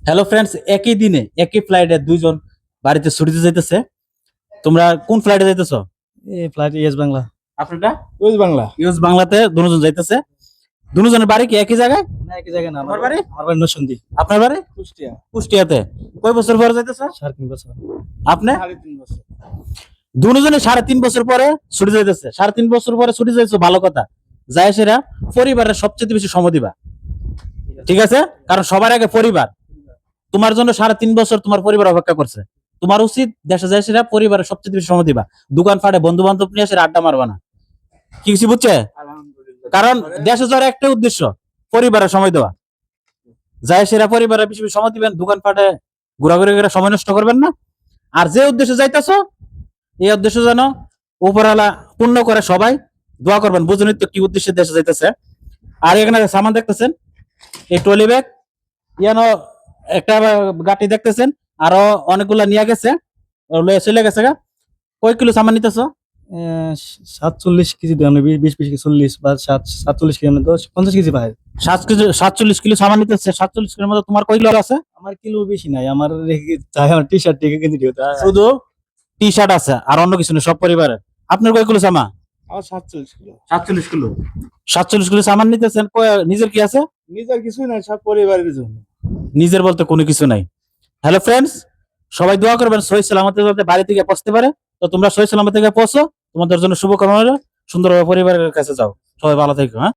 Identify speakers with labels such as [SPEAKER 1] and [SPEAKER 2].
[SPEAKER 1] Hello friends, একই দিনে একই ফ্লাইটে দুইজন বাড়িতে ছুটিতে যাইতেছে। তোমরা কোন ফ্লাইটে যাইতেছো?
[SPEAKER 2] এই ফ্লাইট ইয়েস বাংলা।
[SPEAKER 1] আপনারটা
[SPEAKER 2] ওয়েস্ট বাংলা।
[SPEAKER 1] ইউএস বাংলাতে দুজন যাইতেছে। দুজনের বাড়ি কি একই জায়গায়?
[SPEAKER 2] না, একই জায়গায় না।
[SPEAKER 1] আমার বাড়ি?
[SPEAKER 2] আমার বাড়ি নরসিংদী।
[SPEAKER 1] আপনার বাড়ি
[SPEAKER 2] কুষ্টিয়া।
[SPEAKER 1] কুষ্টিয়াতে। কয় বছর পরে যাইতেছে
[SPEAKER 2] 3.5 বছর।
[SPEAKER 1] আপনি?
[SPEAKER 2] 3.5 বছর।
[SPEAKER 1] দুজনে 3.5 বছর পরে ছুটি যাইতেছে। 3.5 বছর পরে ছুটি যাইছো, ভালো কথা। যায় সেরা পরিবারের সবচেয়ে বেশি সময় দিবা, ঠিক আছে? কারণ সবার আগে পরিবার। তোমার জন্য 3.5 বছর তোমার পরিবার অপেক্ষা করছে। তোমার উচিত দেশে যায় সেরা পরিবারের সবচেয়ে বেশি সময় দিবা। দোকান ফাটে বন্ধু বান্ধব নিয়ে এসে আড্ডা মারবা না, কি কিছু বুঝছে? কারণ দেশে যাওয়ার একটা উদ্দেশ্য পরিবারের সময় দেওয়া। যায় সেরা পরিবারের বেশি বেশি সময় দিবেন, দোকান ফাটে ঘোরাঘুরি করে সময় নষ্ট করবেন না। আর যে উদ্দেশ্যে যাইতেছো এই উদ্দেশ্য যেন উপরওয়ালা পূর্ণ করে। সবাই দোয়া করবেন, বুঝুন তো কি উদ্দেশ্যে দেশে যাইতেছে। আর এখানে সামান দেখতেছেন, এই ট্রলি ব্যাগ, ইয়ানো একটা গাটি দেখতেছেন, আরো অনেকগুলা নিয়ে গেছে, চলে গেছে গা। কয় কিলো সামান নিতেছো?
[SPEAKER 2] 47 কেজি দেন, 20 40 বা 47 কেজি মানে 50 কেজি পায়।
[SPEAKER 1] 47 কিলো সামান নিতেছে। 47 কিলোর মধ্যে তোমার কয় কিলো আছে?
[SPEAKER 2] আমার কিলো বেশি নাই, আমার টি শার্ট থেকে কেজি দিও।
[SPEAKER 1] শুধু টি শার্ট আছে, আর অন্য কিছু নেই সব পরিবারের। আপনার কয় কিলো সামান?
[SPEAKER 2] আমার 47 কিলো।
[SPEAKER 1] 47 কিলো। 47 কিলো সামান নিতেছেন। নিজের কি আছে?
[SPEAKER 2] নিজের কিছুই নাই, সব পরিবারের জন্য।
[SPEAKER 1] নিজের বলতে কোনো কিছু নাই। হ্যালো ফ্রেন্ডস, সবাই দোয়া করবেন সহি সালামতে যাতে বাড়ি থেকে পৌঁছতে পারে। তো তোমরা সহি সালামত থেকে পৌঁছো, তোমাদের জন্য শুভকামনা রইলো। সুন্দরভাবে পরিবারের কাছে যাও। সবাই ভালো থেকো। হ্যাঁ।